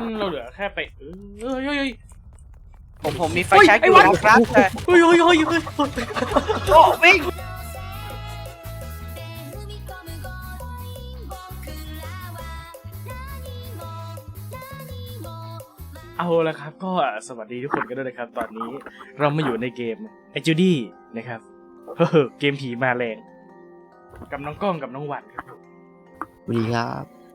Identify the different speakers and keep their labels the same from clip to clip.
Speaker 1: เราเหลือแค่ไปเฮ้ย
Speaker 2: ผมมีไฟแช็กอยู่นะครับแต่
Speaker 1: เฮ้ย
Speaker 2: โอ้วิ่ง
Speaker 1: เอาละครับก็สวัสดีทุกคนกันด้วยนะครับตอนนี้เรามาอยู่ในเกมไอจูดี้นะครับเกมผีมาแรงกับน้องกล้องกับน้องหวันครับ
Speaker 3: สวัสดีครับ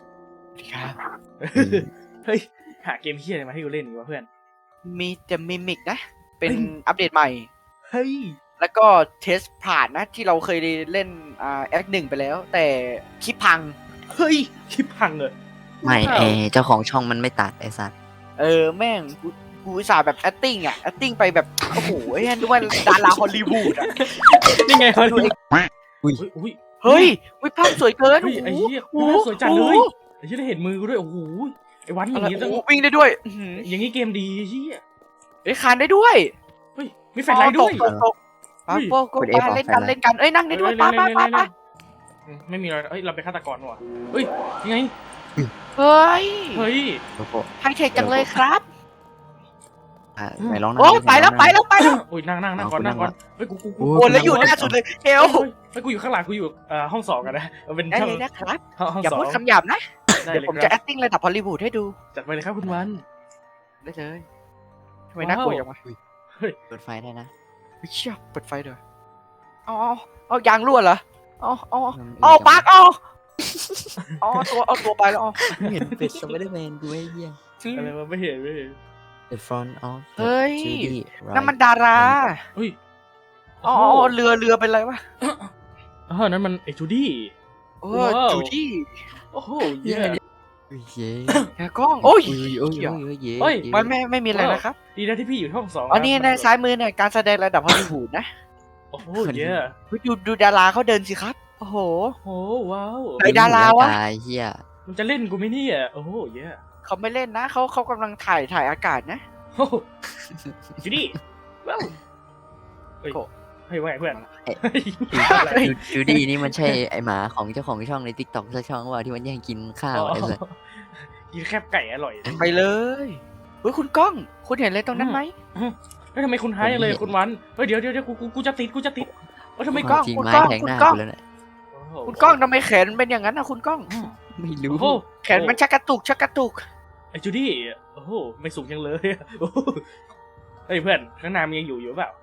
Speaker 1: เฮ้ยหาเกมเฮียอะไรมาให้กูเล่นดีวะเพื่อน
Speaker 2: มีแต่มิมิกนะ เป็นอัปเดตใหม่
Speaker 1: เฮ้ย
Speaker 2: แล้วก็เทสผ่านนะที่เราเคยเล่นแอคหนึ่งไปแล้ว แต่คลิปพัง
Speaker 1: เฮ้ยคลิปพังเลย
Speaker 3: ไม่เจ้าของช่องมันไม่ตัดไอ้สัตว์
Speaker 2: แม่งกูอุตส่าห์แบบ acting อ่ะ acting ไปแบบโอ้โหไอ้นึกว่าดาราฮอลลีวูดอ่ะ
Speaker 1: นี่ไงเขาดู
Speaker 3: อุ้ย
Speaker 1: เฮ้ย
Speaker 2: เฮ้ยภาพสวยเกิน
Speaker 1: เฮ้ยไอ้เหี้ยน่าสวยจัดเลยไอ้เหี้ยได้เห็นมือกูด้วยโอ้โหไอ้วันอย่างนี้ต้อง
Speaker 2: วิ่งได้ด้วย
Speaker 1: อย่างนี้เกมดีเหี้ย
Speaker 2: คานได้ด้วย
Speaker 1: เฮ้ยมีแฟลชไลท์ด้วย
Speaker 2: ตกไปเล่นกันเอ้ยนั่งได้ด้วยไป
Speaker 1: ไม่มีอะไรเฮ้ยเราเป็นฆาตกรว่ะเฮ้ยยังไง
Speaker 2: เฮ้ย
Speaker 1: เฮ้ย
Speaker 3: โลโก้
Speaker 2: ไฮเทคจังเลยครับ
Speaker 3: ไหนลองนะ
Speaker 2: โอ้ไปแล้ว
Speaker 1: โอ้ยนั่งก่อนเฮ้ยกู
Speaker 2: โอ้แล้วอยู่หน้าสุดเลยเฮล
Speaker 1: เฮ้ยกูอยู่ข้างหลังกูอยู่ห้อง2กันนะมันเป็น
Speaker 2: ได้
Speaker 1: ช่อง
Speaker 2: เลยนะครับ
Speaker 1: ห้อง
Speaker 2: อย่า
Speaker 1: 2
Speaker 2: พูดคำหยาบนะ
Speaker 1: ได้
Speaker 2: เดี๋ยว
Speaker 1: เลย
Speaker 2: ผม
Speaker 1: ค
Speaker 2: จะ
Speaker 1: รับ
Speaker 2: acting ระดับฮอลลีวูดให้ดู
Speaker 1: จัดไปเลยครับคุณวัน
Speaker 2: ได้เลยทำไมน่ากลัวจังวะ
Speaker 3: เปิดไฟได้นะ
Speaker 2: เชี่ยเปิดไฟด้วยเอายางรั่วเหรอเอาปากเอาตัวไปแล้ว
Speaker 3: เห็นเป็ดสไปเดอร์แมนกูไอ้เหี้ย
Speaker 1: อะไรวะไม่เห็น
Speaker 3: The front of
Speaker 2: เฮ้ย
Speaker 3: Judy
Speaker 2: นั่นมันดารา
Speaker 1: เฮ้ย
Speaker 2: เรือเป็นไรวะ
Speaker 1: นั่นมันไอจูดี้
Speaker 2: จูดี้
Speaker 1: โอ้โห
Speaker 3: เย้
Speaker 1: เย้
Speaker 3: เย้
Speaker 2: แกกล้องโอ้ย
Speaker 3: โอ้ย
Speaker 2: มันไม่มีอะไรนะครับ
Speaker 1: ดีนะที่พี่อยู่ห้อง2
Speaker 2: อ๋อนี่ในซ้ายมือเนี่ยการแสดงระดับฮอลลีวูดนะ
Speaker 1: โอ้โหเย้
Speaker 2: ดูดาราเขาเดินสิครับโอ้โห
Speaker 1: โอ้ว้าว
Speaker 2: ไหนดาราวะ
Speaker 3: เหี้ย
Speaker 1: มันจะเล่นกูไหมเนี่ยโอ้โหเย้
Speaker 2: เขาไม่เล่นนะเขากำลังถ่ายอากาศนะ
Speaker 1: โอ้จูดี้ว้าวเฮ้ยเฮ้ยว่าไงเพื่อน
Speaker 3: จูดี้นี่มันใช่ไอหมาของเจ้าของช่องใน TikTok สักช่องว่าที่มันแย่งกินข้าวไอ้สัส
Speaker 1: กินแคบไก่อร่อย
Speaker 2: ไปเลยเฮ้ยคุณก้องคุณเห็นอะไรตรงนั้นไหม
Speaker 1: เฮ้ยทำไมคุณหายเลยคุณวันเฮ้ยเดี๋ยวกูจะติดทำไม
Speaker 2: กล้อง
Speaker 3: จริง
Speaker 2: คุณ
Speaker 3: ไม้
Speaker 2: กล้อง
Speaker 3: แทง
Speaker 2: คุ
Speaker 3: ห
Speaker 2: ณ
Speaker 3: น้าก
Speaker 2: ล้อง
Speaker 3: กูแล้วเนี่ย
Speaker 2: คุณก้องทำไมแขนเป็นอย่างนั้นนะคุณก้อง
Speaker 3: ไม่รู้
Speaker 1: โอ้โห
Speaker 2: แขนมันชักกระตุก
Speaker 1: ไอจูดี้โอ้โหไม่สูงยังเลยโอ้โหเฮ้ยเพื่อนข้างหน้ามันยังอยู่เปล่า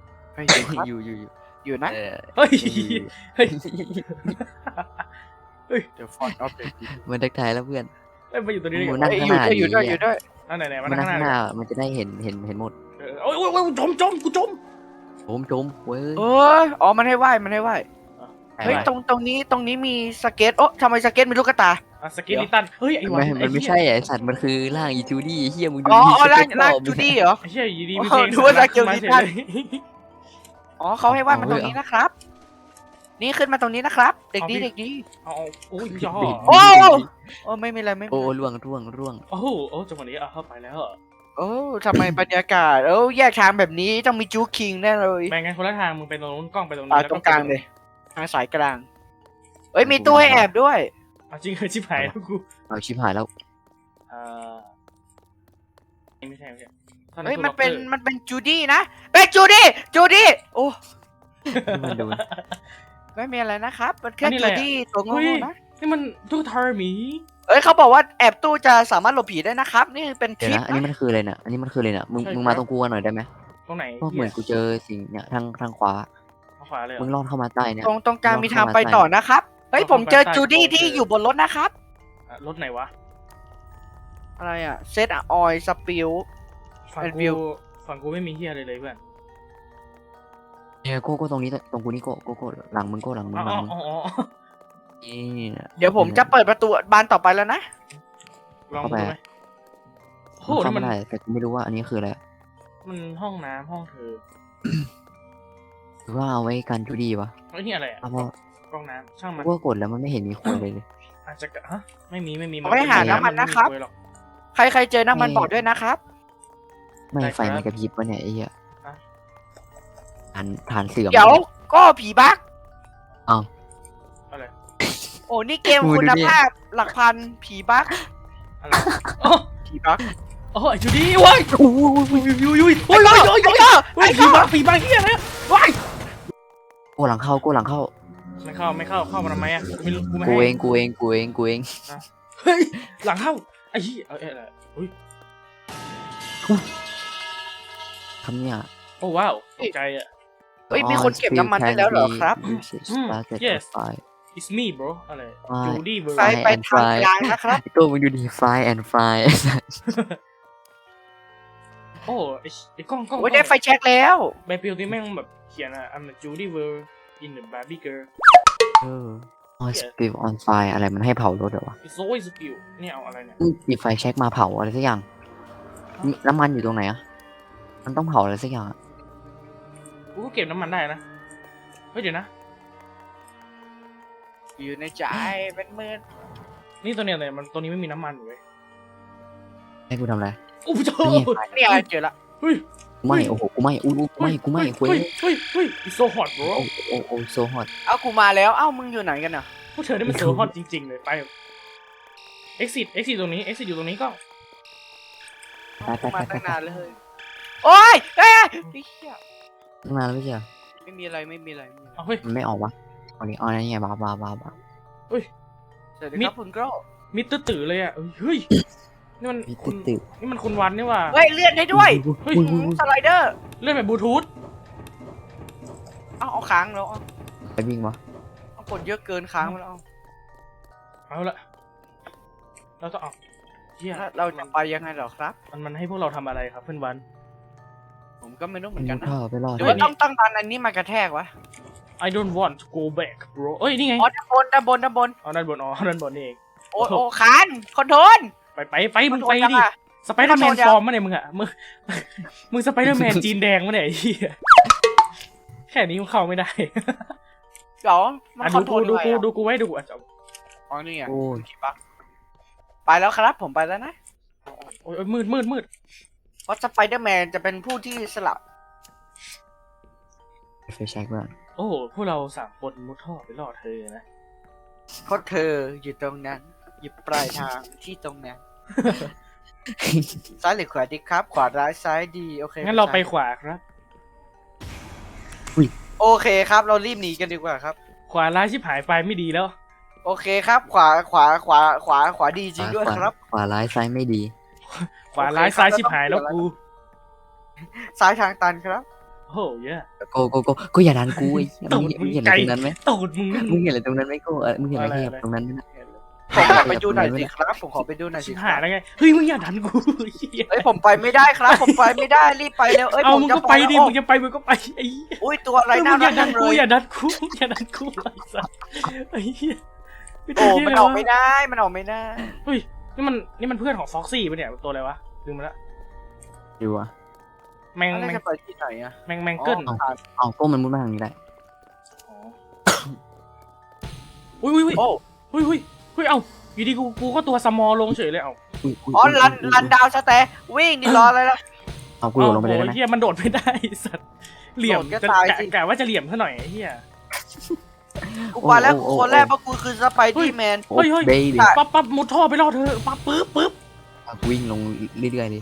Speaker 2: อยู่นะ
Speaker 1: เฮ้ยเฮ้ย
Speaker 2: เดี๋ยวฟอนต์อัปเดต
Speaker 3: มันทักทายแล้วเพื่อน
Speaker 1: เฮ้ยมาอยู่ตัวนี้ได้
Speaker 3: โอ้
Speaker 1: ไง
Speaker 3: โห
Speaker 1: วะ
Speaker 2: อยู่ด้วย
Speaker 1: นั่นไหนมา
Speaker 3: มัน
Speaker 1: นั่ง
Speaker 3: นั่ง
Speaker 1: ข้างห
Speaker 3: ข้างห
Speaker 1: น้า
Speaker 3: น้ามันจะได้เห็นหมด
Speaker 1: โอ้ยกูจม
Speaker 3: จมเว้ย
Speaker 2: อ๋อมันให้ไหว้เฮ้ยตรงนี้มีสเก็ตโอ้ทำไมสเก็ตมีลูกกระตา
Speaker 1: สกินลิตันเฮ้ยไอ้วัน
Speaker 3: มันไม่ใช่ไอสัตว์มันคือร่างอีจูดี้เฮียมึงดู
Speaker 2: อ๋อ
Speaker 3: ดิ
Speaker 2: ร่างจูดี้เหรอ
Speaker 1: ไอ้เหี้ยยีดี
Speaker 2: อ๋อ
Speaker 1: มีเพลง
Speaker 2: ดูว่าสกิลลิตัน
Speaker 1: เลย
Speaker 2: อ๋อเขาให้ไหว้มันตรงนี้นะครับ นี่ขึ้นมาตรงนี้นะครับ เด็กดี
Speaker 1: เอาโอ้ยย่อ
Speaker 2: โอ้ไม่มีอะไรไม่
Speaker 3: โอ้
Speaker 2: มี
Speaker 3: ร่วง
Speaker 1: โอ้โอ้จังหวะนี้เข้าไปแล้ว
Speaker 2: โอ้ทำไมบรรยากาศแยกทางแบบนี้ต้องมีจูคิงแน่เลย
Speaker 1: แบ่งกันคนละทางมึงไปตรงนู้นกล้องไปตรงนี้
Speaker 2: ตรงกลางเลยทางสายกลางเอ้ยมีตู้ให้แอบด้วย
Speaker 1: จริงเหรอชิบหายแล้วกู
Speaker 3: เอาชิบหายแล้ว
Speaker 1: ไม่ใช่
Speaker 2: เฮ้ยมันเป็นจูดี้นะเป็นจูดี้โอ้
Speaker 3: มันโดน
Speaker 2: ไม่มีอะไรนะครับมันแค่จูดี้ตัวโง่นะ
Speaker 1: นี่มันตู้ทาร์มี
Speaker 2: เอ้ยเขาบอกว่าแอบตู้จะสามารถหลบผีได้นะครับ นี่เป็นท
Speaker 3: เดี๋ยว
Speaker 2: ริป
Speaker 3: นะอันนี้มันคืออะไรน่ะมึงมาตรงกูกันหน่อยได้ไหม
Speaker 1: ตรงไหน
Speaker 3: เพราะเหมือนกูเจอสิ่งเนี่ยทางขวา
Speaker 1: ขวาเลย
Speaker 3: มึงลอดเข้ามาใต้เนี่ย
Speaker 2: ตรงกลางมีทางไปต่อนะครับเฮ้ยผมเจอจูดี้ที่อยู่บนรถนะครับ
Speaker 1: รถไหนวะ
Speaker 2: อะไรอะเซตออยสปิล
Speaker 1: ฝั่งกูไม่มีเฮียเลยเพื่อน
Speaker 3: เนี่ยโก้ตรงนี้ตรงกูนี่โก้หลังมึงหลังมึงนี่
Speaker 2: เดี๋ยวผมจะเปิดประตูบานต่อไปแล้วนะ
Speaker 1: ลองดูไหมโอ้
Speaker 3: เข้า
Speaker 1: มั
Speaker 3: มาน ได้แต่กูไม่รู้ว่าอันนี้คืออะไร
Speaker 1: มันห้องน้ำห้องเธอ
Speaker 3: หรือว่าเอาไว้กันจูดี้วะ
Speaker 1: เฮ้ยนี่อะไรอ่ะ
Speaker 3: เพราะ
Speaker 1: กล้องน้ำช่างมัน
Speaker 3: กูก็กดแล้วมันไม่เห็นมีคนเลย
Speaker 1: อาจจะฮะไม่มี
Speaker 2: ไม่ได้หาน้ำมันนะครับ ใครเจอน้ำมันบอกด้วยนะครับ
Speaker 3: ไม่ไฟมันกระพริบวะเนี่ยไอ้เหี้ยฐานเสื่อม
Speaker 2: เดี๋ยวก็ผีบัก
Speaker 1: อะไร
Speaker 2: โอ้นี่เกมคุณภาพหลักพันผีบัก
Speaker 1: อะไร
Speaker 2: ผี
Speaker 1: โอ้ไอ้จูดี้ว้ายอุ้ยอุ้ยโอ้ยโอ้ยโอ้ยโอ้ยผีมาเฮียนะว้าย
Speaker 3: กูหลังเข้ากูหลังเข้า
Speaker 1: ไม่เข้าเข้ามาทำไมอ่ะไม่รู้กูไม่
Speaker 3: กู
Speaker 1: ให้
Speaker 3: เองกูเองกูเองกูเอง
Speaker 1: เฮ้ยหลังเข้าไอ้เหี้ยอะไรอุ้ย
Speaker 3: ทำเนี่ย
Speaker 1: โอ้ว้าวตกใจอ่ะ
Speaker 2: เฮ้ยมีคนเก็บน้ำมันได้แล้วเหรอครับ
Speaker 1: yes it's me bro อะไรจูดี้เบอร์
Speaker 2: ไปทางกลางนะครับ
Speaker 3: ตัวมึงดูดิ fly and fly
Speaker 1: โอ้ไอ้กล้อง
Speaker 2: โอ้ยได้ไฟแช็กแล้ว
Speaker 1: ใบปลิวที่แม่งแบบเขียนอ่ะ I'm a Judy Ver in the Barbie girl
Speaker 3: อ๋อ spill on fire อะไรมันให้เผารถเหรอวะ
Speaker 1: it's always skill เนี่ยเอาอะไรเนี่ย
Speaker 3: หยิบไฟแช็กมาเผาอะไรสักอย่างน้ำมันอยู่ตรงไหนอะมันต้องเผาอะไรสักอย่างอะ
Speaker 1: กูก็เก็บน้ำมันได้นะเฮ้ยเดี๋ยวนะ
Speaker 2: อยู่ในใจเป็นหมื่น
Speaker 1: นี่ตัวเนี้ยเลยมันตัวนี้ไม่มีน้ำมันอยู่เว้ย
Speaker 3: ให้กูทำอะไร
Speaker 1: โอ้โห
Speaker 2: เนี่ยเจอละ
Speaker 1: เฮ้ย
Speaker 3: ไม่โอ้โหกูไม่อู้กูไม่กูไม่คุย
Speaker 1: เฮ้ย it's so hot bro
Speaker 3: โอ้โซฮอต
Speaker 2: เอากูมาแล้วเอ้ามึงอยู่ไหนกันอ่ะ
Speaker 1: พวกเธอนี่มัน so hot จริงๆเลยไป exit ตรงนี้ exit อยู่ตรงนี้ก็
Speaker 2: กูมาตั้งนานเลยโอ้ยเฮ้ยเฮีย
Speaker 3: ตั้งนานแล้วไม่ใช่เหรอ
Speaker 2: ไม่มีอะไร
Speaker 1: เอาเฮ้ย
Speaker 3: มันไม่ออกวะอันนี้อ๋อนี่ไงบ้า
Speaker 2: สวัสดีครับคุณโกร
Speaker 1: มิดตื้อเลยอ่ะเฮ้ยนี่มันนี่มันคุณวันนี่ว่า
Speaker 2: เฮ้ยเลื่อนได้ด้วย
Speaker 1: เฮ้ย
Speaker 2: สไลเดอร์
Speaker 1: เลื่อนแบบบลูทูธ
Speaker 2: เอาค้างแล้ว
Speaker 3: ไปวิ่งวะ
Speaker 2: เอากดเยอะเกินค้างแล้ว
Speaker 1: เอาละเราต้องเอาเฮีย
Speaker 2: เราจะไปยังไงเหรอครับ
Speaker 1: มันให้พวกเราทำอะไรครับเพื่อนวัน
Speaker 2: ผมก็ไม่รู้เหมือนกันนะ
Speaker 3: ท่อไปรอด
Speaker 2: หรือว่าต้องตั้งตอนอันนี้มากระแทกวะ
Speaker 1: I don't want to go back bro เอ้ยนี่ไง
Speaker 2: อ๋อด้านบน
Speaker 1: อ๋อด้านบนนี่เอง
Speaker 2: โอ้ค้างคอนโทรล
Speaker 1: ไปมึงไปดิสไปเดอร์แมนฟอร์มมาเนี่ยมึงอะมึงสไปเดอร์แมนจีนแดงมาเนี่ยไอ้เหี้ยแค่นี้มึงเข้าไม่ได้
Speaker 2: เดี๋ยวมันคอนโทรล
Speaker 1: ดูกูไว้ดูอ่ะ
Speaker 2: อ๋อนี่ไง
Speaker 3: โอ้ย
Speaker 2: ไปแล้วครับผมไปแล้วนะ
Speaker 1: โอ้ยมืด
Speaker 2: เพราะสไปเดอร์แมนจะเป็นผู้ที่สลับ
Speaker 3: ไฟแช็กด้วย
Speaker 1: โอ้พวกเรา3 คนมุดท่อไปรอดเธอนะ
Speaker 2: เพราะเธออยู่ตรงนั้นอยู่ปลายทางที่ตรงนั้น ซ้ายหรือขวาดีครับ ขวาร้ายซ้ายดีโอเค
Speaker 1: งั้นเราไปขวาครับ
Speaker 2: โอเคครับ เรารีบหนีกันดีกว่าครับ
Speaker 1: ขวาร้ายชิบหายไปไม่ดีแล้ว
Speaker 2: โอเคครับ ขวาดีจริงด้วยครับ
Speaker 3: ขวาร้ายซ้ายไม่ดี
Speaker 1: ขวาร้ายซ้ายชิบหายแล้วกู
Speaker 2: ซ้ายทางตันครับ
Speaker 1: โอ้ย
Speaker 3: กูอย่าดันกูไอ้มึงเห็นอะไรตรงนั้นไหม
Speaker 1: ตูดมึง
Speaker 3: มึงเห็นอะไรตรงนั้นไหมกูมึงเห็นอะไรตรงนั้นไหม
Speaker 2: ผมขอไปดูหน่อยสิครับ ผมขอไปดูหน่อย
Speaker 1: ชิ
Speaker 2: สิ
Speaker 1: บ
Speaker 2: ค
Speaker 1: หาย
Speaker 2: รับ
Speaker 1: แล้วไงเฮ้ยมึงอย่าดันกู
Speaker 2: เอ้ยผมไปไม่ได้ครับ ผมไปไม่ได้รีบไปเร็วเอ้ย
Speaker 1: เอา
Speaker 2: ผม
Speaker 1: มึง
Speaker 2: จะ
Speaker 1: ก็ไปดิ
Speaker 2: แล้ว
Speaker 1: มึงจะไปมึงก็ไปไอ้
Speaker 2: อุ้ยตัวอะไร
Speaker 1: มึ
Speaker 2: น่าง
Speaker 1: อ
Speaker 2: รั
Speaker 1: ย่าก ดั
Speaker 2: จั
Speaker 1: น
Speaker 2: งเล
Speaker 1: กู
Speaker 2: ย
Speaker 1: อย่าดันกูอย่าดันกูไอ้สัสไอ้เหี้ย
Speaker 2: โอ้มันออกไม่ได้มันออกไม่ได้
Speaker 1: เฮ้ยนี่มันเพื่อนของฟ็อกซี่ปะเนี่ยตัวอะไรวะลืมมาละ
Speaker 3: ดูอ่ะ
Speaker 1: แมง
Speaker 2: แล้วจะไปที่ไหนอะ
Speaker 1: แมงเกิล
Speaker 3: เอาก็มันมุดมาทางนี้ได้
Speaker 1: อุ้ย
Speaker 2: โอ้
Speaker 1: เฮ้ยเอ้าอยู่ดีกูก็ตัวสมอลลงเฉยเลยเอ้า
Speaker 2: อ๋อลันดาวสเตย์วิ่งดิรออะไรล่ะ
Speaker 3: เอากูโดดลงไปเลยได้ไหม
Speaker 1: เฮียมันโดดไม่ได้สัตว์เหลี่ยม
Speaker 2: โดดก็ตายสิ
Speaker 1: กะว่าจะเหลี่ยมซะหน่อยเฮีย
Speaker 2: กูไปแล้วคนแรกเพราะกูคือสไปดี้แมน
Speaker 3: โอ้เบบี้
Speaker 1: ปั๊บมุดท่อไปรอดเธอปั๊บปึ๊บ
Speaker 3: วิ่งลงเรื่อยๆดิ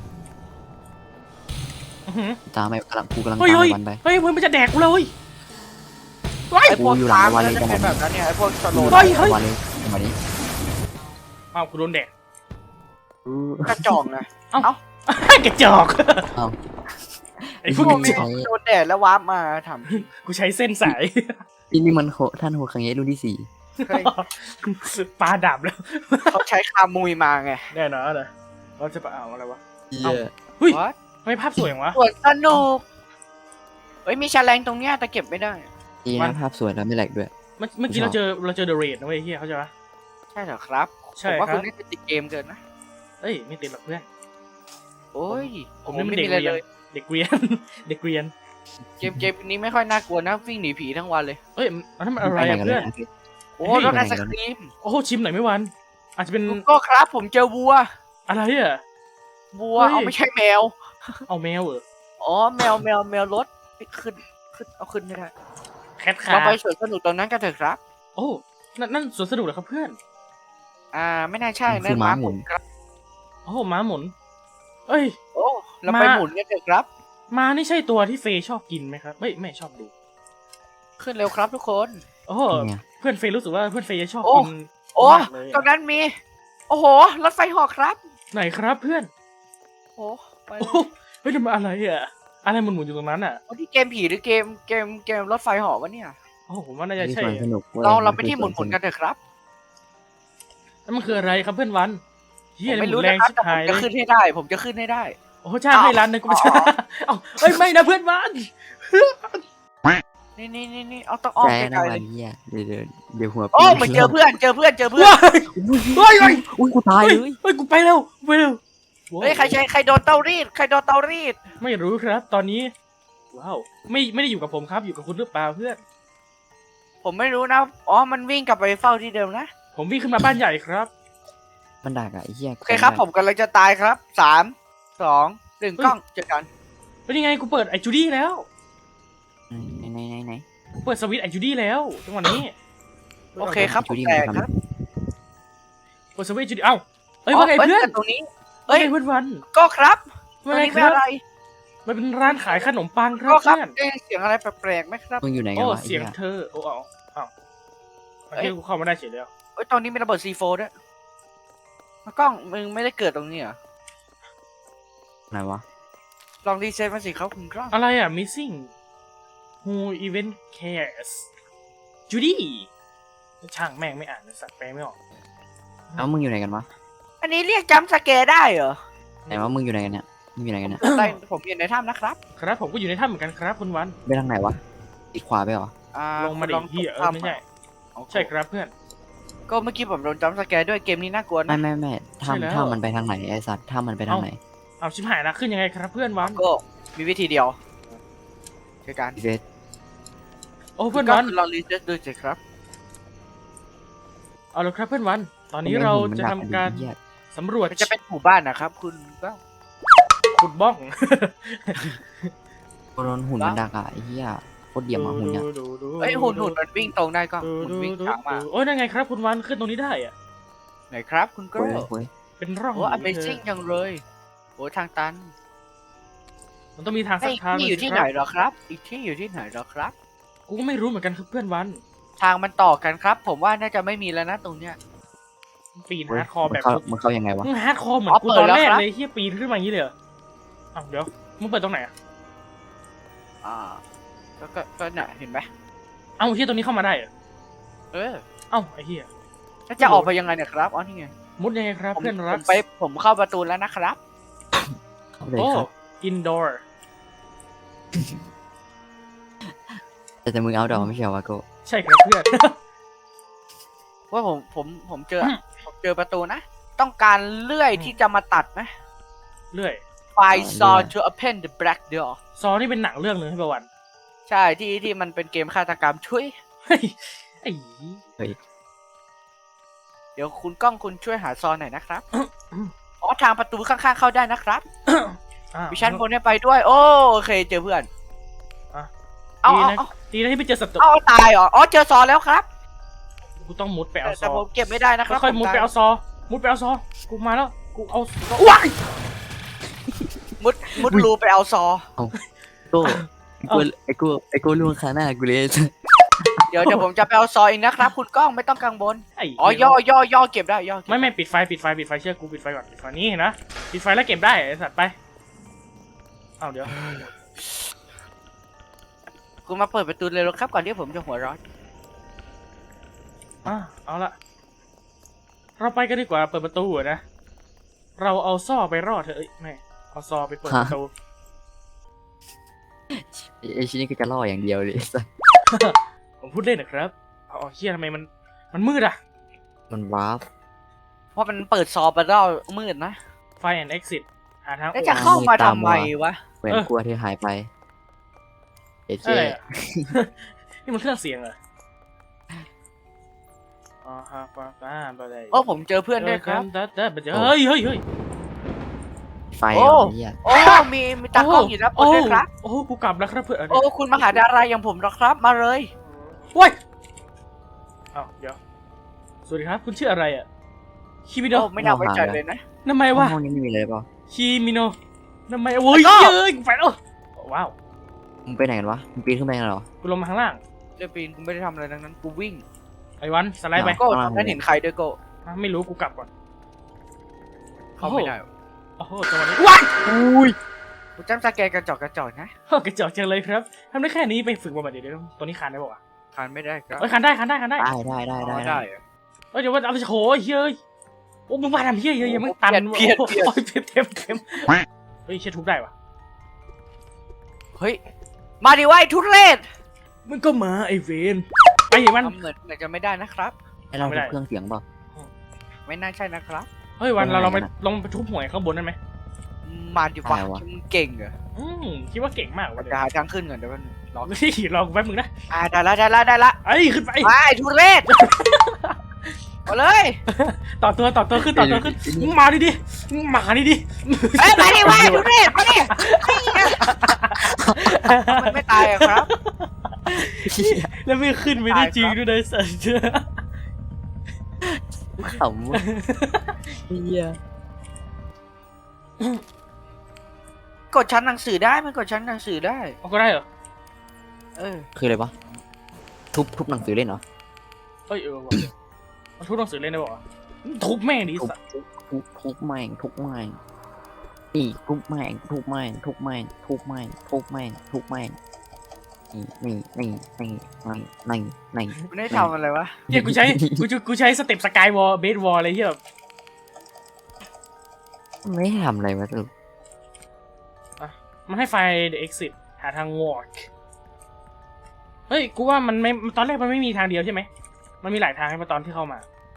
Speaker 3: ตามไปกูกำลัง
Speaker 1: เฮ้ย
Speaker 3: ตาม
Speaker 1: เฮ้ย
Speaker 3: วันไป
Speaker 1: เฮ้ยมันจะแดกกูเลย
Speaker 2: ไอ้พวกตามมันจะเป็นแบบนั้นเนี่ยไอ้พวกสโลว์
Speaker 3: วันนี้วันนี้
Speaker 1: อ้าวกูโดนแดก
Speaker 2: กระจอกนะ
Speaker 1: กระจอกไอ้พวก
Speaker 2: พว
Speaker 1: ก
Speaker 2: ก
Speaker 1: ระ
Speaker 2: นี้
Speaker 1: จอก
Speaker 2: โดนแดดแล้ววาร์ปมาท
Speaker 1: กูใช้เส้นสาย
Speaker 3: นี่มันท่านโฮคังเงะรุ่นที่
Speaker 2: ำ
Speaker 1: ปลาดับแล้ว
Speaker 2: เขาใช้คามุยมาไง
Speaker 1: แน่นอนนะเราจะไปเอาอะไรวะ
Speaker 3: 4
Speaker 1: เฮ้ย
Speaker 2: What?
Speaker 1: ทำไมภาพสวยอย่างวะ
Speaker 2: สวนสนุกเฮ้ยมีแฉลงตรงเนี้ยแต่เก็บไม่ได้
Speaker 3: ดีนะภาพสวยแล้วไม่แหลกด้วย
Speaker 1: เมื่อกี้เราเจอเดอะเรดนะเว้ยเฮียเขาใจปะ
Speaker 2: ใช่เหรอครับ
Speaker 1: ใช่
Speaker 2: ผมว่า
Speaker 1: ครับ
Speaker 2: คุณนี่ติดเกมเกินนะ
Speaker 1: เอ้ยไม่ติดหรอกเพื่อน
Speaker 2: โอ้ย
Speaker 1: ผมนี่มัน
Speaker 2: ไม่
Speaker 1: เด็ก
Speaker 2: มีอะไร
Speaker 1: เรียน
Speaker 2: เลย
Speaker 1: เด็กเรียน เด็กเรียน
Speaker 2: เกมนี้ไม่ค่อยน่ากลัวนะวิ่งหนีผีทั้งวันเลย
Speaker 1: เอ้ยอันนั้นมันอะไรอะเพื่อน
Speaker 2: โอ้
Speaker 1: เฮ้ย
Speaker 2: รถไอศครีม
Speaker 1: โอ้โหชิมหน่อยไม่วัน อาจจะเป็น
Speaker 2: ก็ครับผมเจอวัว
Speaker 1: อะไรอ่ะ
Speaker 2: วัว
Speaker 1: เฮ้ย
Speaker 2: เอาไม่ใช่แมว
Speaker 1: เอาแมวเหรอ
Speaker 2: อ๋อแมวรถขึ้นเอาขึ้นไม่ได้
Speaker 1: แคทคา
Speaker 2: เราไป
Speaker 1: ร์
Speaker 2: สวนสนุกตรงนั้นกันเถอะครับ
Speaker 1: โอ้นั่นสวนสนุกเหรอครับเพื่อน
Speaker 2: ไม่น่าใช่นั่น
Speaker 3: คือม้าหมุน
Speaker 2: ครับ
Speaker 1: โโอ้โหม้าหมุน เอ้ย
Speaker 2: โอ้เราไป
Speaker 1: มา
Speaker 2: หมุนกันเถอะครับ
Speaker 1: ม้านี่ใช่ตัวที่เฟย์ชอบกินไหมครับไม่ชอบดู
Speaker 2: ขึ้นเร็วครับทุกคน
Speaker 1: โอ้โห
Speaker 3: นี่ไง
Speaker 1: เพื่อนเฟย์รู้สึกว่าเพื่อนเฟย์จะชอบ
Speaker 2: โอ้
Speaker 1: กิน
Speaker 2: โอ้
Speaker 1: มากเลย
Speaker 2: ตรงนั้นมี โอ้โหรถไฟเหอกครับ
Speaker 1: ไหนครับเพื่อน
Speaker 2: โอ้ไปเล
Speaker 1: โอ้
Speaker 2: ย
Speaker 1: โหเฮ้ยทำไมอะไรอ่ะอะไรมันหมุนอยู่ตรงนั้นอ่ะ
Speaker 2: โอ้ที่เกมผีหรือเกมรถไฟเหอกวะเนี่ย
Speaker 1: โอ้โหผมว่าน่าจะ
Speaker 3: นี่
Speaker 1: ใช่
Speaker 3: สวนสนุกว้ย
Speaker 2: เราไปที่หมุนกันเถอะครับ
Speaker 1: แล้วมันคืออะไรครับเพื่อนวันเฮี
Speaker 2: ผ
Speaker 1: ย
Speaker 2: ม
Speaker 1: ห
Speaker 2: ไม่
Speaker 1: มุ
Speaker 2: รู้
Speaker 1: นแร
Speaker 2: นะ
Speaker 1: ง
Speaker 2: ครับ
Speaker 1: ชิบ
Speaker 2: แต่ผ
Speaker 1: หาม ยเล
Speaker 2: จะ
Speaker 1: ย
Speaker 2: ขึ้นให้ได้ ผมจะขึ้นให้ได้
Speaker 1: โอ้โหจ้างให้ร้านหนึงก็ไม่ใช่
Speaker 2: อ๋อ
Speaker 1: เอ้าเอ้ยไม่นะเพื่อนวัน
Speaker 2: นี่เอาต้องอ้อม
Speaker 3: ใจ
Speaker 2: ไก
Speaker 3: นะ
Speaker 2: ลๆ
Speaker 3: วั
Speaker 2: เล
Speaker 3: น
Speaker 2: ย
Speaker 3: เหี้ยเดี๋ยวหัว
Speaker 2: โอ้เหมือนเจอเพื่อนเจอเพื่อน
Speaker 1: ว้ายเฮ้ยเฮ้ย
Speaker 3: อุ้ยกูตายเลย
Speaker 1: เฮ้ยกูไปแล้วไปแล้ว
Speaker 2: เฮ้ยใครโดนเตารีดใครโดนเตารีด
Speaker 1: ไม่รู้ครับ ตอนนี้ว้าวไม่ได้อยู่กับผมครับอยู่กับคุณหรือเปล่าเพื่อน
Speaker 2: ผมไม่รู้นะอ๋อมันวิ่งกลับไปเฝ้าที่เดิมนะ
Speaker 1: ผมวิ่งขึ้นมาบ้านใหญ่ครับ
Speaker 3: มันดักอะไอ้เหี้ย
Speaker 2: โอเคครับผมกำลังจะตายครับ3 2 1กล้องเจอกัน
Speaker 1: เป็นยังไงกูเปิดไอจูดี้แล้ว
Speaker 3: ไหน
Speaker 1: กูเปิดสวิตช์ไอจูดี้แล้วจังหวะนี้
Speaker 2: โอเคครับผมแตกครับ
Speaker 1: เปิดสวิตช์ไอจูดี้เอ้าเอ้ยว่าไงเพื่อน
Speaker 2: ตรงนี้
Speaker 1: เฮ้
Speaker 2: เฮ้
Speaker 1: ย
Speaker 2: ย
Speaker 1: เพื่อนวัน
Speaker 2: ก็ครับต
Speaker 1: ว่า
Speaker 2: รง
Speaker 1: ไง
Speaker 2: นี้
Speaker 1: ค
Speaker 2: ไม่
Speaker 1: รับ
Speaker 2: อะไร
Speaker 1: มันเป็นร้านขายขนมปังครั
Speaker 2: ก็
Speaker 1: บ
Speaker 2: ครับ
Speaker 1: เพื่อน
Speaker 2: ได้เสียงอะไรแปลกๆไหมครับ
Speaker 3: มึงอยู่ไหนกั
Speaker 1: โอ้
Speaker 3: นวะไอ้
Speaker 1: เสียง
Speaker 3: เหี้ย
Speaker 1: เธอโอ้เอาโอเคกูเข้ามาได้เฉยแล้ว
Speaker 2: เฮ้ยตรงนี้มีระเบิด C4 ด้วยกล้องมึงไม่ได้เกิดตรงนี้เหรอ
Speaker 3: ไหนวะ
Speaker 2: ลองรีเซ็ตมาสิครับคุณกล้อง
Speaker 1: อะไรอ่ะ missing who even cares จูดี้ช่างแม่งไม่อ่านเลยสัตว์แปลไม่ออก
Speaker 3: เอ้ามึงอยู่ไหนกันวะ
Speaker 2: อันนี้เรียกจัมป์สแกร์ได้เหรอ
Speaker 3: ไหนวะมึงอยู่ไหนกันเนี่ยมึงอยู่ไหนกันเนี่ย
Speaker 2: ได้ผมอยู่ในถ้ำนะครับ
Speaker 1: ครับผมก็อยู่ในถ้ำเหมือนกันครับคุณวัน
Speaker 3: ไปทางไหนวะอีกขวาไปเหรอ
Speaker 1: ลงมาดิ
Speaker 2: ลอง
Speaker 1: เฮีย
Speaker 2: ถ้ำ
Speaker 1: ไม่ใช่
Speaker 2: โอเค
Speaker 1: ใช่ครับเพื่อน
Speaker 2: ก็เมื่อกี้ผมโดนจัมป์สแกร์ด้วยเกมนี้น่ากลัวนะ
Speaker 3: ไม่
Speaker 1: ใช่แล้ว
Speaker 3: ถ้ำมันไปทางไหนไอ้สัตว์ถ้ำมันไปทางไหน
Speaker 1: เอาชิบหายละขึ้นยังไงครับเพื่อนวัน
Speaker 2: ก็มีวิธีเดียวคือการ
Speaker 3: เวส
Speaker 1: โอ้เพื่อน
Speaker 2: ก็
Speaker 1: วัน
Speaker 2: ลองรีเซ็ตดูสิครับ
Speaker 1: เอาละครับเพื่อนวัน ตอนนี้เราจะทำการสำรวจ
Speaker 2: มันจะเป็นหมู่บ้านนะครับ คุณก็
Speaker 1: ขุดบ้อง
Speaker 3: โดนหุ่นมันดักอะไอ้เหี้ยโคตรเดี่ยมอะหุ่นเนี่ย
Speaker 2: เอ้ยหุ่นมันวิ่งตรงได้ก็หุ่นวิ่งช้ามาก
Speaker 1: โอ้ยนั่นไงครับคุณวันขึ้นตรงนี้ได้อะ
Speaker 2: ไหนครับคุณก็
Speaker 3: เว้ย
Speaker 1: เป็นร่อง
Speaker 2: โอ้ Amazing จังเลยโอ้ทางตัน
Speaker 1: มันต้องมีทางสั
Speaker 2: ไอ้
Speaker 1: กทาง
Speaker 2: ที่อยู่ที่ไหนเหรอครับ อีกที่อยู่ที่ไหนเหรอครับ
Speaker 1: กูก็ไม่รู้เหมือนกันครับเพื่อนวัน
Speaker 2: ทางมันต่อกันครับ ผมว่าน่าจะไม่มีแล้วนะตรงเนี้ย
Speaker 1: ปีน
Speaker 3: เว้ย
Speaker 1: ฮาร์ดคอร์แบบ
Speaker 3: มันเข้ายังไงวะ
Speaker 1: มึงฮาร์ดคอร์เหมือน
Speaker 2: อ๋อ
Speaker 1: กู
Speaker 2: เปิ
Speaker 1: ต
Speaker 2: ด
Speaker 1: อน
Speaker 2: แล้ว
Speaker 1: แรก
Speaker 2: ครับ
Speaker 1: เลยเฮียปีนขึ้นมาอย่างนี้เลยเหรออ้าวเดี๋ยวมึงเปิดตรงไหนอะ
Speaker 2: อ่าก็น่ะเห็นไหม
Speaker 1: เอ้าเฮียตรงนี้เข้ามาได้เหรอ
Speaker 2: เออ
Speaker 1: เอ้าไอ้เฮีย
Speaker 2: แล้วจะออกไปยังไงเนี่ยครับอ๋อนี่ไง
Speaker 1: มุดยังไงครับ
Speaker 2: ผม
Speaker 1: เพื่อนรัก
Speaker 2: ผมเข้าประตูแล้วนะครับ
Speaker 3: เข้าเลย
Speaker 1: โอ้
Speaker 3: ครับ
Speaker 1: อินดอร์
Speaker 3: แต่มึงเอาดอกไม่ใช่เหรอวะโก
Speaker 1: ใช่ครับเพื่อน
Speaker 2: ว่าผมเจอผมเจอประตูนะ ต้องการเลื่อยที่จะมาตัดไหม
Speaker 1: เรื่อย
Speaker 2: Find saw to open the black door
Speaker 1: ซอนี่เป็นหนังเรื่องหนึงให้ประวัน
Speaker 2: ใช่ที่มันเป็นเกมฆาตกรรมช่วย
Speaker 1: เฮ้ยไอ้
Speaker 2: เดี๋ยวคุณกล้องคุณช่วยหาซอหน่อยนะครับ อ๋อทางประตูข้างๆเข้าได้นะครับ
Speaker 1: อ้าว
Speaker 2: มีชั้นบนให้ไปด้วย โอเคเจอเพื่อน
Speaker 1: อ่ะ
Speaker 2: เอา
Speaker 1: ดี
Speaker 2: เอา
Speaker 1: นะ
Speaker 2: เอา
Speaker 1: ดีนะที่ไม่เจอศัตรู
Speaker 2: เอาตายเหรออ๋อเจอซอแล้วครับ
Speaker 1: กูต้องมุดไปเอาซ
Speaker 2: แต่
Speaker 1: อ
Speaker 2: ผมเก็บไม่ได้นะครับ
Speaker 1: ค่อยๆมุด
Speaker 2: ผตา
Speaker 1: ไปเอาซอ มุดไปเอาซอ กูมาแล้ว กูเอาว้าย
Speaker 2: มุดรูไปเอาซอ
Speaker 3: โก้ไอ้กูล่วงคาหน้ากูเลย
Speaker 2: เดี๋ยวผมจะไปเอาซอเองนะครับ คุณกล้องไม่ต้องกังวล
Speaker 1: ไอ้
Speaker 2: อ๋อย่อเก็บได้ย่อเก็บ
Speaker 1: ไม่ปิดไฟเชื่อกูปิดไฟก่อนปิดไฟนี่เห็นนะปิดไฟแล้วเก็บได้ไอ้สัตว์ไปเอาเดี๋ยว
Speaker 2: คุณมาเปิดประตูเลยหรอครับก่อนที่ผมจะหัวร้อน
Speaker 1: เอาละเราไปกันดีกว่าเปิดประตูอะนะเราเอาซ่อไปรอดเถอะเอ้ยไม่เอาซอไปเปิดประตู
Speaker 3: ไอ้ชิ้นนี้ก็จะล่ออย่างเดียวเลย
Speaker 1: ผมพูดเล่นนะครับเอาเฮียทำไมมันมืดอะ
Speaker 3: มันวาร์ป
Speaker 2: เพราะมันเปิดซอไปแล้วมืดนะ
Speaker 1: ไฟแอนด์เอ็กซิสหาทางอ
Speaker 2: แล้ว
Speaker 1: อก
Speaker 2: จะเข้ามาทำไมวะ
Speaker 3: เหมือนกลัวที่หายไปเอเจ
Speaker 1: อะไรอะ นี่มันเครื่องเสียงเหรออ๋อฮะป้าไปเลย
Speaker 2: ผมเจอเพื่อนด้วยครับ
Speaker 1: เฮ้ย
Speaker 3: ไฟอ่ะเนี่ย
Speaker 2: มีตากล้องอยู่นะปนด้วยครับ
Speaker 1: โอ้กูกลับแล้วครับเพื่อน
Speaker 2: คุณมาหาดาราอย่างผมหรอครับมาเลย
Speaker 1: ว้ยอ้าวเดี๋ยวสวัสดีครับคุณชื่ออะไรอ่ะคิมิโน
Speaker 2: โอ้ไม่น่าไว้ใจเลยนะ
Speaker 1: ทำไมวะ
Speaker 3: ห้องนี้ไม่มีเลยเปล่า
Speaker 1: คิมิโนทำไมโอ้ย
Speaker 2: ไอ้โก้
Speaker 1: เย้ยไปแล้วว้าว
Speaker 3: มึงไปไหนกันวะมึงปีนขึ้นไปกันเหรอ
Speaker 1: กูลงมาข้างล่าง
Speaker 2: เดี๋ยวปีนกูไม่ได้ทำอะไรทั้งนั้นกูวิ่ง
Speaker 1: ไอ้วันสไลด์ไป
Speaker 2: โก้ตอนนั้นเห็นใครด้วยโก้
Speaker 1: อ่ะไม่รู้กูกลับก่อน
Speaker 2: เข้าไม่ได้
Speaker 1: โอ้โหตัวนี้ว้าย
Speaker 3: อุ้ย
Speaker 2: กูจำสแกนกระจอกนะ
Speaker 1: กระจอกจังเลยครับทำได้แค่นี้ไปฝึกมาแบบเดี๋ยวตัวนี้คานได้ป่าวะ
Speaker 2: คานไม่ได้ครับ
Speaker 1: เอ้ยคานได้คานได้คานได้
Speaker 3: ได้
Speaker 2: เหรอ
Speaker 1: เอ้ยเดี๋ยวว่าเอาไปโหยเฮ้ยโอ้มึงมาทำเฮี้ยเยอะยังไม่ตัน
Speaker 2: เพี้ยน
Speaker 1: โอ้ยเต็มเฮ้ยเชี่ยทุบได้ปะ
Speaker 2: เฮ้ยมาดิวะไอ้ทุเรศ
Speaker 1: มันก็มาไอเวนไอ้มัน
Speaker 2: ทำเหมือนจะไม่ได้นะครับ
Speaker 3: ให้เราทุบเครื่องเสียงเปล่า
Speaker 2: ไม่น่าใช่นะครับ
Speaker 1: เฮ้ยวันเราลองไป
Speaker 3: ไม่ได้นะ
Speaker 1: ลองไปทุบหวยข้างบนได้ไหม
Speaker 2: มาดิวะ
Speaker 3: ได้วะ
Speaker 2: มึงเก่งเหรอ
Speaker 1: คิดว่าเก่งมากวะ
Speaker 2: เดี๋ยวหาทางขึ้นก่อนเดี๋ยวมันรอ
Speaker 1: เฮ้ยลองแป๊บมึงนะ
Speaker 2: ได้ละ
Speaker 1: ไอ้ยขึ้นไป
Speaker 2: มาไอ้ทุเรศมาเลย
Speaker 1: ต่อตัวขึ้นมึงมาดิมึงมาดิ
Speaker 2: เอ้ยมาดิวะไอ้ทุเรศมาดิมันไม่ตายอะครับ
Speaker 1: แล้วไม่ขึ้นไม่ได้จริงด้วยนะสัตว์
Speaker 3: ขำว่ะเฮีย
Speaker 2: กดชั้นหนังสือได้มันกดชั้นหนังสือได้
Speaker 1: เอาก็ได้เหรอ
Speaker 2: เออ
Speaker 3: คืออะไรวะทุบหนังสือเล่นเหรอ
Speaker 1: เอ้ยว่ะมันทุบหนังสือเล่นได้ป่าวะทุบแม่งดิ
Speaker 3: ทุบ
Speaker 1: สัตว์
Speaker 3: ทุบแม่งอีกทุบแม่งนี่
Speaker 2: มันได้ทำอะไรวะ
Speaker 1: เฮียกูใช้สเต็ปสกายวอลเบสวอลอะไรเฮียแบบ
Speaker 3: ไม่ได้ทำอะไรวะสรุป
Speaker 1: มันให้ไฟ the exit หาทาง walk เฮ้ยกูว่ามันไม่ตอนแรกมันไม่มีทางเดียวใช่ไหมมันมีหลายทางให้มาตอนที่เข้ามา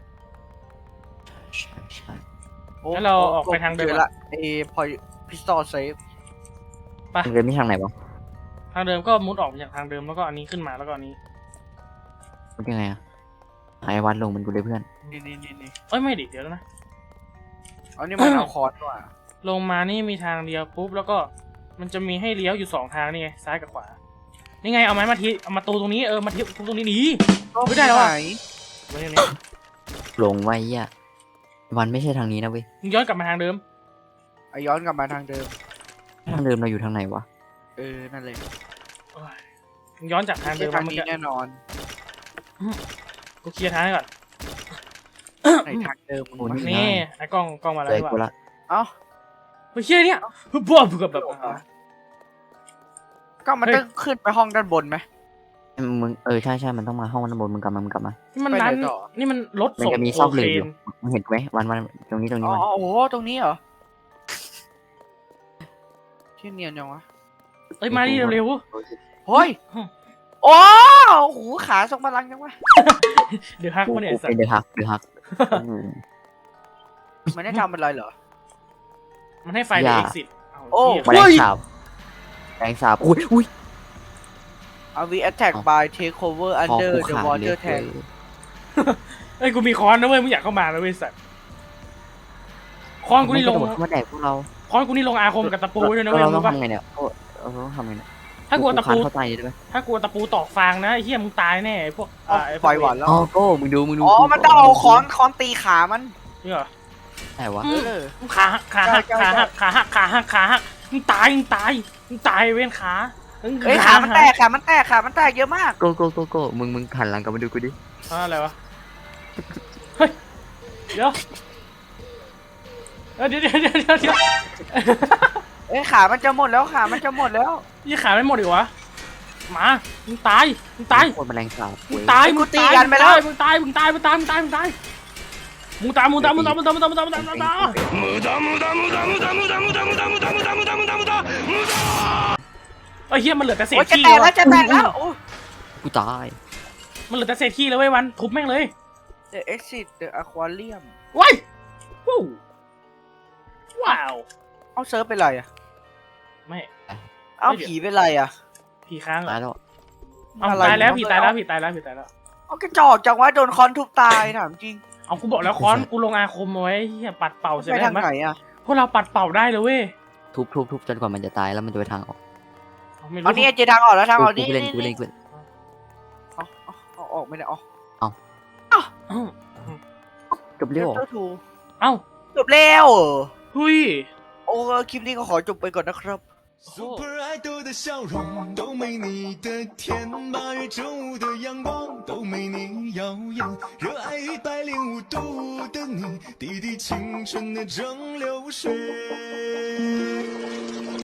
Speaker 3: ใช่
Speaker 2: โอ้
Speaker 1: งั้นเราออกไปทางเดิม
Speaker 2: จอละไอ้พอพิสตอลเซฟ
Speaker 3: เดินไม่ทางไหนวะ
Speaker 1: ทางเดิมก็มุดออกจากทางเดิมแล้วก็อันนี้ขึ้นมาแล้วก็อันนี้
Speaker 3: มันยังไงอะหายวัดลงมันกูเลยเพื่อน
Speaker 2: นี่
Speaker 1: เอ้ยไม่ดิเดี๋ยวนะ
Speaker 2: เอานี่มันเอาคอร์สว่ะ
Speaker 1: ลงมานี่มีทางเดียวปุ๊บแล้วก็มันจะมีให้เลี้ยวอยู่สองทางนี่ไงซ้ายกับขวานี่ไงเอาไม้มาทีเอามาตูตรงนี้มาทีตรงนี้หนี ไม่ได้หรอ
Speaker 2: ไหน
Speaker 1: ไว้ตรงนี้
Speaker 3: ลงไว้อ่ะวันไม่ใช่ทางนี้นะเว้ย
Speaker 1: มึงย้อนกลับมาทางเดิม
Speaker 2: เอาย้อนกลับมาทางเดิม
Speaker 3: ทางเดิมเราอยู่ทางไหนวะ
Speaker 2: นั่นเลย
Speaker 1: โอ้ยมึงย้อนจากทางเดิ
Speaker 2: ไม่
Speaker 1: ม
Speaker 2: ใช่ทาง
Speaker 1: มา
Speaker 2: นี้แน่นอน
Speaker 1: กูเคลียร์ทางให้ก่อน
Speaker 2: ในทางเดิมมึง
Speaker 3: โอ้
Speaker 2: วะ
Speaker 1: นี่ไอ้กล้องมาแล้ว
Speaker 3: เลย
Speaker 1: ดีก
Speaker 3: กู
Speaker 1: ว่า
Speaker 3: ละ
Speaker 2: เอ้า
Speaker 1: เฮ้ยเชี่ยเนี่ยบ้าแบบ
Speaker 2: ก็มันต้องขึ้นไปห้องด้านบนไหม
Speaker 3: มึงใช่มันต้องมาห้องด้านบนมึงกลับมา
Speaker 1: นี่มันร้าน
Speaker 2: ไปไหนต่อ
Speaker 1: นี่มันรถ
Speaker 3: มัน
Speaker 1: ส่ง
Speaker 3: จะมีซ
Speaker 1: โค
Speaker 3: อกเหล็
Speaker 1: เคน
Speaker 3: กอยู่มึงเห็นไหมวันตรงนี้
Speaker 2: อ๋อ
Speaker 3: มัน
Speaker 2: โอ้โหตรงนี้เหรอที่เนียนจังวะ
Speaker 1: เอ้ยมาดิเร็ว
Speaker 2: เฮ้ย
Speaker 1: อืม
Speaker 2: โอ้โหขาทรงพลังจังวะ
Speaker 1: ๆเดี๋ยวฮัก
Speaker 3: กู
Speaker 1: มาเนี่ยสัต
Speaker 3: เป็น
Speaker 1: ว์
Speaker 3: เดือฮัก
Speaker 2: มันได้ทำอะไรเหรอ
Speaker 1: มันให้ไฟ
Speaker 3: อย่า
Speaker 1: exit
Speaker 2: โอ้
Speaker 3: แมลงสาบอุ้ย
Speaker 2: เอาวี attack by take over
Speaker 3: คอ
Speaker 2: under
Speaker 3: กู
Speaker 2: the
Speaker 3: ขาดเล
Speaker 2: water
Speaker 3: ย
Speaker 2: tank
Speaker 1: เอ้ยกูมีค้อนนะเว้ยมึงอยากเข้ามาแล้วเว้ยสัตว์ค้อนกูนี่ลง
Speaker 3: มาแดกพวกเรา
Speaker 1: ค้อนกูนี่ลงอาคมกับตะปูด้วยนะเว้ย
Speaker 3: เราต้
Speaker 1: รู้
Speaker 3: อง
Speaker 1: ปะ
Speaker 3: ทำไงเนี่ยเราต้องทำไงเนี่ย
Speaker 1: ถ้ากลัวตะปู
Speaker 3: เข้าใจได้ไหม
Speaker 1: ถ้ากลัวตะปูตอกฟางนะไอ้เหี้ยมึงตายแน่ไอ้พวก
Speaker 2: เอา
Speaker 1: ไอ้พ
Speaker 2: ป
Speaker 1: ว
Speaker 2: ล่อก ยหวานแล้ว
Speaker 3: อ๋อโก้มึงดู
Speaker 2: อ๋อ มันต้องเอาค้อนตีขามัน
Speaker 1: นี่เหรอ
Speaker 3: ไหนวะ
Speaker 2: เออ
Speaker 1: ขาหักมึงตายเว้นขา
Speaker 2: เฮ้ยขามันแตกเยอะมาก
Speaker 3: โก้มึงหันหลังกลับมาดูกูดิ
Speaker 1: อะไรวะเฮ้ยเดี๋ยวเดี๋ยว
Speaker 2: เอ้ยขามันจะหมดแล้ว
Speaker 1: ยี่ขาไม่หมดอีกวะหมามึงตาย
Speaker 3: โคตรแมลงสาบ
Speaker 1: มึงตายมึงตายมึงตายมึงตายมึงตายไอ้เหี้ยมันเหลือแต่เศษ
Speaker 2: โอ้ยจะ
Speaker 1: ขี้
Speaker 2: แตกแล้วโอ้ย
Speaker 3: กูตาย
Speaker 1: มันเหลือแต่เศษขี้แล้วเว้ยวันทุบแม่งเลย
Speaker 2: The exit the aquarium
Speaker 1: ว้ายว้าว
Speaker 2: เอาเซิร์ฟเป็นไรอ่ะ
Speaker 1: ไม่
Speaker 2: เอาผีเป็นไรอ่ะ
Speaker 1: ผีค้างเหร
Speaker 3: ตา
Speaker 1: อย
Speaker 3: แล้ว
Speaker 1: เอาตายแล้วผีตายแล้ว
Speaker 2: เอากระจอกจังวะโดนค้อนทุบตายถามจริง
Speaker 1: เอากูบอกแล้วค้อนกูลงอาคมเอาไว้เหี้ยปัดเป่าเสร็จ
Speaker 2: ไป
Speaker 1: แล้ว
Speaker 2: ทางไหนอ่ะ
Speaker 1: พวกเราปัดเป่าได้เลยเว้ย
Speaker 3: ทุบจนกว่ามันจะตายแล้วมันจะไปทางออก
Speaker 1: ไม่รู้
Speaker 2: เอานี่เจอทางออกแล้วทางออก
Speaker 3: กู
Speaker 2: นี่
Speaker 3: เล่น
Speaker 2: เอาออกไม่ได้ออก
Speaker 1: อ้าว
Speaker 3: จบเร็ว
Speaker 2: Chapter 2
Speaker 1: เอ้า
Speaker 2: จบแล้ว
Speaker 1: หุย
Speaker 2: โอ้คลิปนี้ก็ขอจบไปก่อนนะครับ
Speaker 4: Super Idol 的笑容都没你的甜，8月正午的阳光都没你耀眼，热爱105度的你，滴滴青春的蒸馏水。